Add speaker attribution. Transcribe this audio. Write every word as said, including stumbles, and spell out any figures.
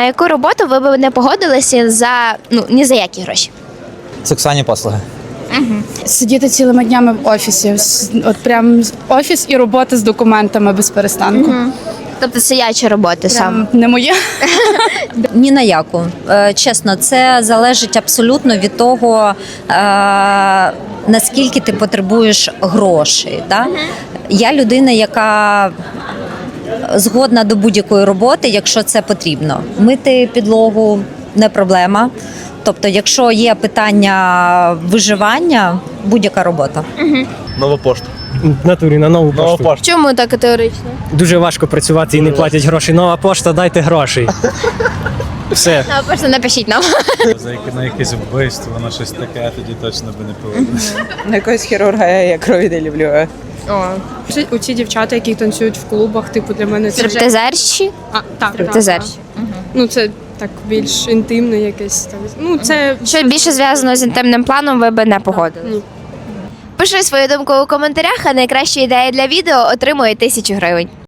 Speaker 1: на яку роботу ви б не погодилися за ну ні за які гроші?
Speaker 2: Сексуальні послуги.
Speaker 3: Сидіти цілими днями в офісі. С- От прям офіс і робота з документами без перестанку.
Speaker 1: Тобто сидячі роботи саме.
Speaker 3: Прям не моє.
Speaker 4: Ні на яку. Е, Чесно, це залежить абсолютно від того, е, наскільки ти потребуєш грошей. Да? Я людина, яка згодна до будь-якої роботи, якщо це потрібно. Мити підлогу не проблема. Тобто, якщо є питання виживання, будь-яка робота.
Speaker 5: Нова пошта.
Speaker 6: В натурі на нову
Speaker 5: Нова
Speaker 6: пошту.
Speaker 5: пошта.
Speaker 1: Чому так категорично?
Speaker 6: Дуже важко працювати і не платять гроші. Нова пошта, дайте грошей. Все.
Speaker 1: Ну, просто напишіть нам.
Speaker 7: За яке- на якесь вбивство, на щось таке, тоді точно би не погодилися.
Speaker 8: На якогось хірурга я крові не люблю.
Speaker 3: У ці дівчата, які танцюють в клубах, типу для мене це вже
Speaker 1: Стриптизерші?
Speaker 3: а, так,
Speaker 1: Стриптизерші.
Speaker 3: Ну це так більш інтимне якесь там. Ну це
Speaker 1: Що більше зв'язано з інтимним планом, ви би не погодились?
Speaker 3: Ні.
Speaker 1: Пиши свою думку у коментарях, а найкраща ідея для відео отримує тисячу гривень.